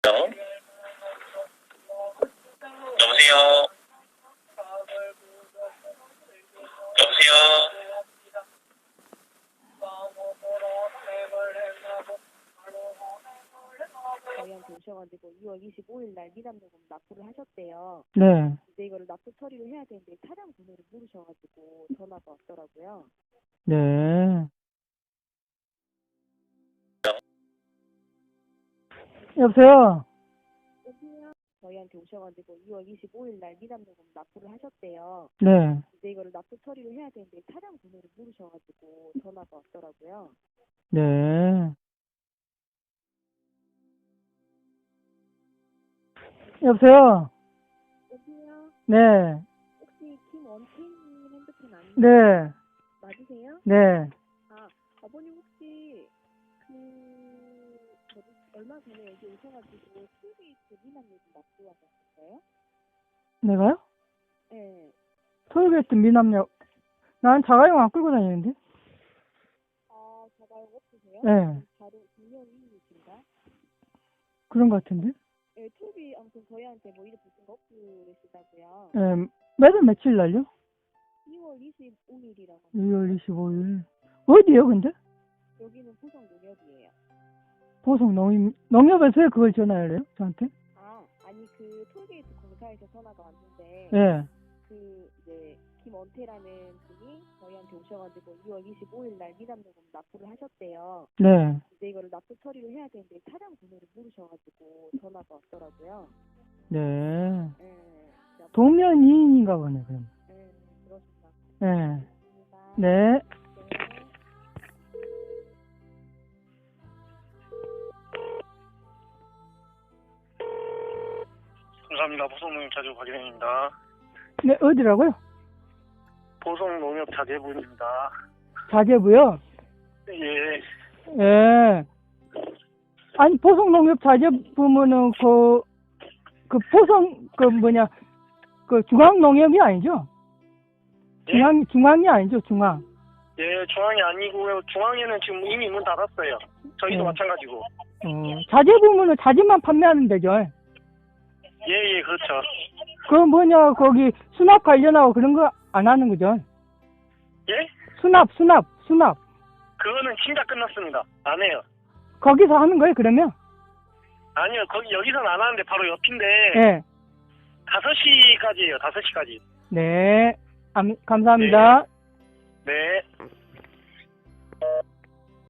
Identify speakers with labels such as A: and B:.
A: 여보세요? 여보세요?
B: 저희한테 오셔가지고 2월 25일 날 미납요금 납부를 하셨대요.
C: 네.
B: 근데 이거를 납부 처리를 해야 되는데 차량 번호를 모르셔가지고 전화가 왔더라고요.
C: 네. 여보세요?
B: 저희한테 오셔가지고 2월 25일 날 미납요금 납부를 하셨대요.
C: 네.
B: 근데 이거를 납부 처리를 해야 되는데 차량 번호를 모르셔가지고 전화가 왔더라고요.
C: 네. 여보세요? 네.
B: 혹시 김원태님 핸드폰 아니에요?
C: 네.
B: 맞으세요?
C: 네.
B: 아, 아버님 혹시 얼마 전에 여기 오셔가지고 톨게이트 미납요금 납부하셨어요?
C: 내가요?
B: 네.
C: 톨게이트 미납력. 난 자가용 안 끌고 다니는데?
B: 아, 자가용 없으세요?
C: 네.
B: 바로 분명이신가?
C: 그런 것 같은데?
B: 네, 톨비 아무튼 저희한테 뭐 이래 무슨 거 없고 그러시다고요.
C: 네. 매달 며칠 날요?
B: 2월 25일이라고.
C: 2월 25일. 어디요, 근데?
B: 여기는 포성 농협이에요.
C: 보성 농협에서 왜 그걸 전화를 해요? 저한테?
B: 아, 아니 그 톨게이트 공사에서 전화가 왔는데
C: 예.
B: 그 이제 김원태라는 분이 저희한테 오셔가지고 2월 25일 날 미납요금 납부를 하셨대요.
C: 네.
B: 근데 이거를 납부 처리를 해야 되는데 차량 번호를 모르셔가지고 전화가 왔더라고요.
C: 네.
B: 네,
C: 동면이인인가 보네, 그럼.
B: 네, 그렇습니다.
C: 네.
B: 감사합니다.
C: 네.
B: 네.
A: 감사합니다. 보성농협 자재부 박일현입니다.
C: 네, 어디라고요?
A: 보성농협 자재부입니다.
C: 자재부요?
A: 예.
C: 예. 아니, 보성농협 자재부면은 그 중앙농협이 아니죠?
A: 예?
C: 중앙이 아니죠, 중앙.
A: 예, 중앙이 아니고요. 중앙에는 지금 이미 문 닫았어요. 저희도
C: 네.
A: 마찬가지고.
C: 자재부면은 자재만 판매하는 데죠.
A: 예, 그렇죠.
C: 거기 수납 관련하고 그런 거 안 하는 거죠?
A: 예?
C: 수납.
A: 그거는 진짜 끝났습니다. 안 해요.
C: 거기서 하는 거예요, 그러면?
A: 아니요, 여기서는 안 하는데 바로 옆인데.
C: 예.
A: 5시까지예요, 5시까지.
C: 네. 감사합니다.
A: 네.